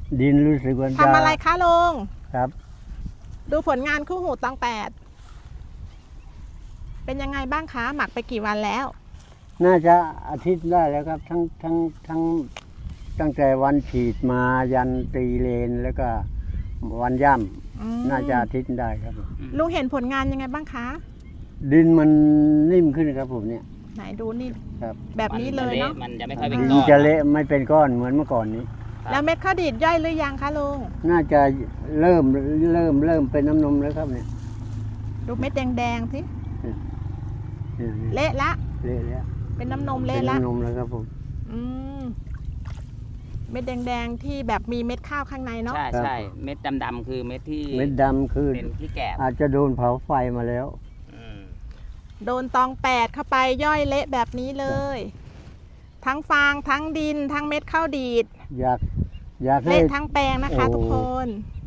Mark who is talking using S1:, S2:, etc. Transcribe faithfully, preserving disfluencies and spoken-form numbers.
S1: ดินรู้สึกว่าจะ
S2: ทำอะไรคะลุง
S1: ครับ
S2: ดูผลงานคู่หูตองแปดเป็นยังไงบ้างคะหมักไปกี่วันแล้ว
S1: น่าจะอาทิตย์ได้แล้วครับ ทั้งทั้งทั้งตั้งแต่วันฉีดมายันตีเลนแล้วก็วันย่
S2: อืม
S1: ำน่าจะอาทิตย์ได้ครับ
S2: ลุงเห็นผลงานยังไงบ้างคะ
S1: ดินมันนิ่มขึ้นครับผมเนี่ย
S2: ไหนดูนี่
S1: ครับ
S2: แบบนี้เลยเนาะ
S3: มันจะไม่ค่อยเป็น
S1: มั
S3: ก้
S1: น
S3: อน
S1: จะเละไม่เป็นก้อนเหมือนเมื่อก่อนนี้
S2: แล้วเม็ดข้าวดีดย่อยหรือยังคะลุง
S1: น่าจะเริ่มเริ่มเริ่มเป็นน้ำนมแล้วครับเนี่ย
S2: ดูเม็ดแดงๆสิ
S1: เนี่ยเนี่ย
S2: เละละ
S1: เละแล้ว
S2: เป็นน้ำนม
S1: เป็
S2: เละ
S1: น
S2: ละ
S1: น้ำนมแล้วครับผม
S2: อืมเม็ดแดงๆที่แบบมีเม็ดข้าวข้างในเนาะ
S3: ใช่ใช่เม็ดดำๆคือเม็ดที่
S1: เม็ดดำคือ
S3: เป็นที่แกบ
S1: อาจจะโดนเผาไฟมาแล้ว
S3: อืม
S2: โดนตองแปดเข้าไปย่อยเละแบบนี้เลย ทั้งฟางทั้งดิน ทั้งเม็ดข้าวดีด
S1: อยากอยากให้
S2: เละทั้งแปลงนะคะ
S1: โอ้
S2: ทุกคน